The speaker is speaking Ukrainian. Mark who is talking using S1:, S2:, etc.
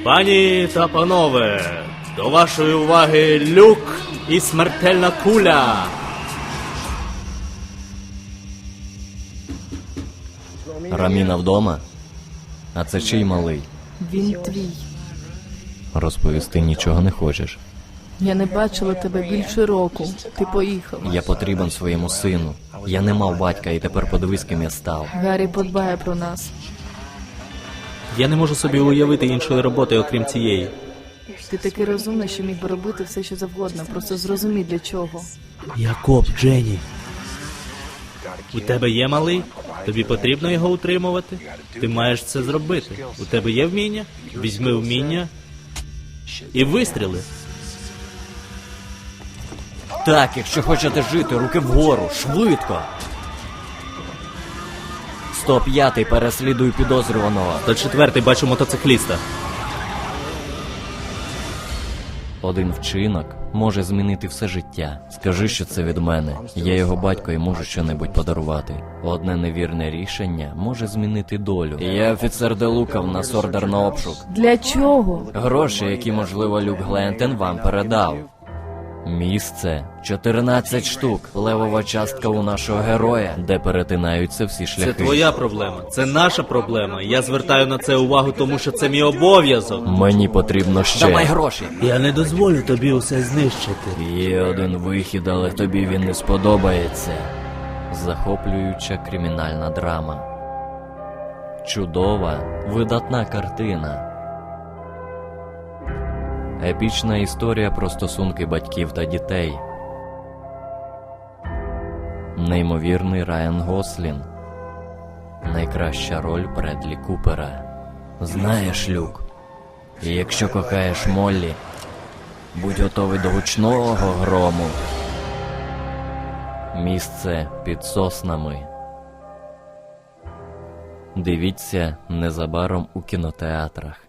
S1: Пані та панове, до вашої уваги Люк і смертельна куля.
S2: Раміна вдома? А це чий малий?
S3: Він твій.
S2: Розповісти нічого не хочеш.
S3: Я не бачила тебе більше року. Ти поїхав.
S2: Я потрібен своєму сину. Я не мав батька і тепер подивись, ким я став.
S3: Гаррі подбає про нас.
S1: Я не можу собі уявити іншої роботи, окрім цієї.
S3: Ти такий розумний, що міг би робити все, що завгодно. Просто зрозумій, для чого.
S1: Я коп, Дженні. У тебе є малий? Тобі потрібно його утримувати? Ти маєш це зробити. У тебе є вміння? Візьми вміння і вистріли.
S2: Так, якщо хочете жити, руки вгору, швидко! 105-й, переслідуй підозрюваного.
S1: 104-й, бачу мотоцикліста.
S2: Один вчинок може змінити все життя. Скажи, що це від мене. Я його батько і можу щонебудь подарувати. Одне невірне рішення може змінити долю. Я офіцер Делука, в нас ордер на обшук.
S3: Для чого?
S2: Гроші, які, можливо, Люк Глентен вам передав. Місце 14 штук. Левова частка у нашого героя, де перетинаються всі шляхи.
S1: Це твоя проблема, це наша проблема. Я звертаю на це увагу, тому що це мій обов'язок.
S2: Мені потрібно ще. Давай гроші.
S1: Я не дозволю тобі усе знищити.
S2: Є один вихід, але тобі він не сподобається. Захоплююча кримінальна драма. Чудова, видатна картина. Епічна історія про стосунки батьків та дітей. Неймовірний Райан Гослінг. Найкраща роль Бредлі Купера. Знаєш, Люк, якщо кохаєш Моллі, будь готовий до гучного грому. Місце під соснами. Дивіться незабаром у кінотеатрах.